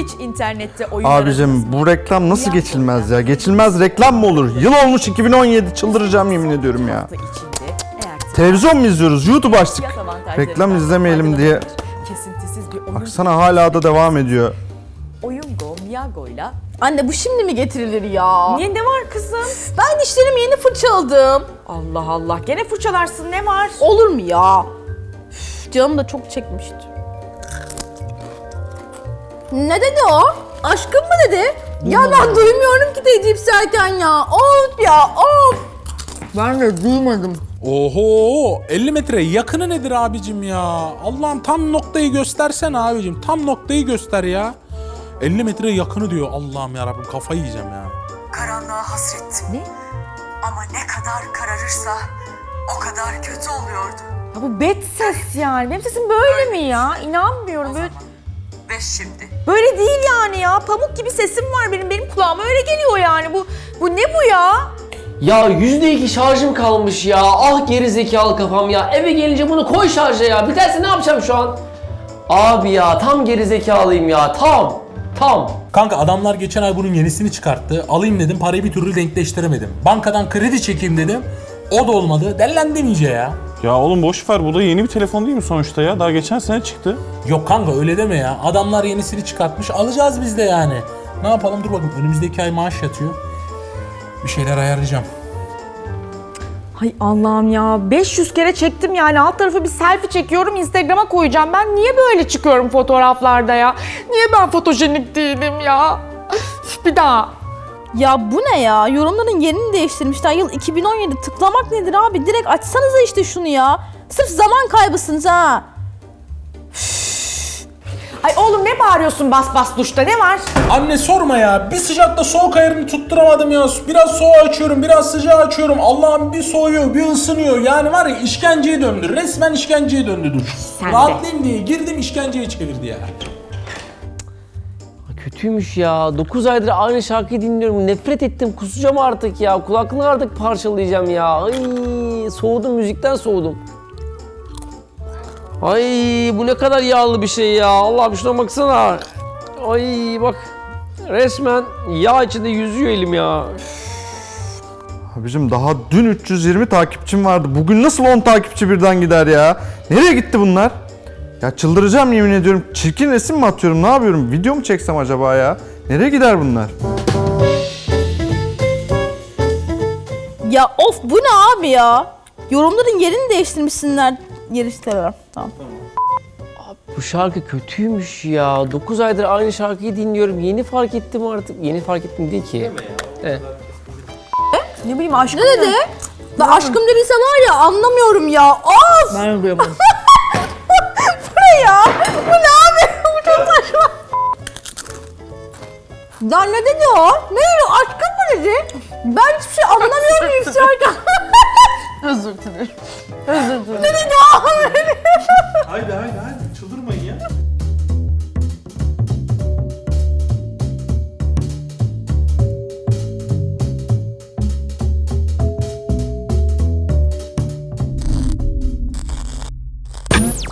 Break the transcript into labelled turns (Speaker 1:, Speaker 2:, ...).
Speaker 1: hiç internette oyun
Speaker 2: Abicim bu reklam nasıl geçilmez ya? Geçilmez reklam mı olur? Yıl olmuş 2017, çıldıracağım yemin ediyorum ya. Televizyon mu izliyoruz? YouTube açtık. Reklam izlemeyelim diye.
Speaker 1: Kesintisiz bir oyun.
Speaker 2: Baksana hala da devam ediyor.
Speaker 1: Oyungo, Miyago'yla.
Speaker 3: Anne bu şimdi mi getirilir ya?
Speaker 1: Niye, ne var kızım?
Speaker 3: Ben dişlerimi yeni fırçaladım.
Speaker 1: Allah Allah, gene fırçalarsın, ne var?
Speaker 3: Olur mu ya? Üf, canım da çok çekmişti. Ne dedi o? Aşkım mı dedi? Ya ben duymuyorum ki deyip zaten ya. Of ya of. Ben de duymadım.
Speaker 4: Oho 50 metre yakını nedir abicim ya? Allah'ım tam noktayı göstersene abicim. Tam noktayı göster ya. 50 metre yakını diyor. Allah'ım yarabbim kafayı yiyeceğim ya.
Speaker 5: Karanlığa hasrettim.
Speaker 1: Ne?
Speaker 5: Ama ne kadar kararırsa o kadar kötü oluyordu.
Speaker 1: Ya bu bet ses yani. Benim sesim böyle mi ya? İnanmıyorum. Böyle,
Speaker 5: Ve şimdi
Speaker 1: böyle değil yani ya. Pamuk gibi sesim var benim. Benim kulağıma öyle geliyor yani. Bu ne bu ya?
Speaker 6: Ya %2 şarjım kalmış ya. Ah geri zekalı kafam ya. Eve gelince bunu koy şarja ya. Biterse ne yapacağım şu an? Abi ya tam geri zekalıyım ya. Tam.
Speaker 4: Kanka adamlar geçen ay bunun yenisini çıkarttı. Alayım dedim parayı bir türlü denkleştiremedim. Bankadan kredi çekeyim dedim. O da olmadı. Dellendim iyice ya.
Speaker 7: Ya oğlum boş ver, bu da yeni bir telefon değil mi sonuçta ya? Daha geçen sene çıktı.
Speaker 4: Yok kanka öyle deme ya. Adamlar yenisini çıkartmış. Alacağız biz de yani. Ne yapalım dur bakın. Önümüzdeki ay maaş yatıyor. Bir şeyler ayarlayacağım.
Speaker 1: Hay Allah'ım ya. 500 kere çektim yani. Alt tarafı bir selfie çekiyorum. Instagram'a koyacağım. Ben niye böyle çıkıyorum fotoğraflarda ya? Niye ben fotojenik değilim ya? Bir daha.
Speaker 3: Ya bu ne ya? Yorumların yerini değiştirmişler. Yıl 2017. Tıklamak nedir abi? Direkt açsanıza işte şunu ya. Sırf zaman kaybısınız ha.
Speaker 1: Ay oğlum ne bağırıyorsun bas bas duşta, ne var?
Speaker 4: Anne sorma ya. Bir sıcakta soğuk ayarını tutturamadım ya. Biraz soğuğu açıyorum, biraz sıcağı açıyorum. Allah'ım bir soğuyor, bir ısınıyor. Yani var ya işkenceye döndü. Resmen işkenceye döndü duş.
Speaker 1: Sen de.
Speaker 4: Rahatlayayım diye girdim işkenceye çevirdi ya.
Speaker 6: Kötüymüş ya. 9 aydır aynı şarkıyı dinliyorum. Nefret ettim. Kusacağım artık ya. Kulaklığı artık parçalayacağım ya. Ay soğudum, müzikten soğudum. Ay bu ne kadar yağlı bir şey ya. Allah'ım şuna baksana. Ay bak. Resmen yağ içinde yüzüyor elim ya.
Speaker 2: Abicim daha dün 320 takipçim vardı. Bugün nasıl 10 takipçi birden gider ya? Nereye gitti bunlar? Ya çıldıracağım yemin ediyorum. Çirkin resim mi atıyorum? Ne yapıyorum? Video mu çeksem acaba ya? Nereye gider bunlar?
Speaker 3: Ya of bu ne abi ya? Yorumların yerini değiştirmişsinler. Yeri istemem. Tamam.
Speaker 6: Bu şarkı kötüymüş ya. 9 aydır aynı şarkıyı dinliyorum. Yeni fark ettim artık. Yeni fark ettim değil ki. Evet.
Speaker 1: Ne bileyim aşkım.
Speaker 3: Ne dedi? La aşkım dediyse var ya anlamıyorum ya. Of!
Speaker 1: Ben duyamadım.
Speaker 3: Bu ne ya? Bu ne abi? Bu çok saçma. Ya ne dedi o? Ne dedi? Aşkım mı dedi? Ben hiçbir şey anlamıyorum yükselken. Özür dilerim.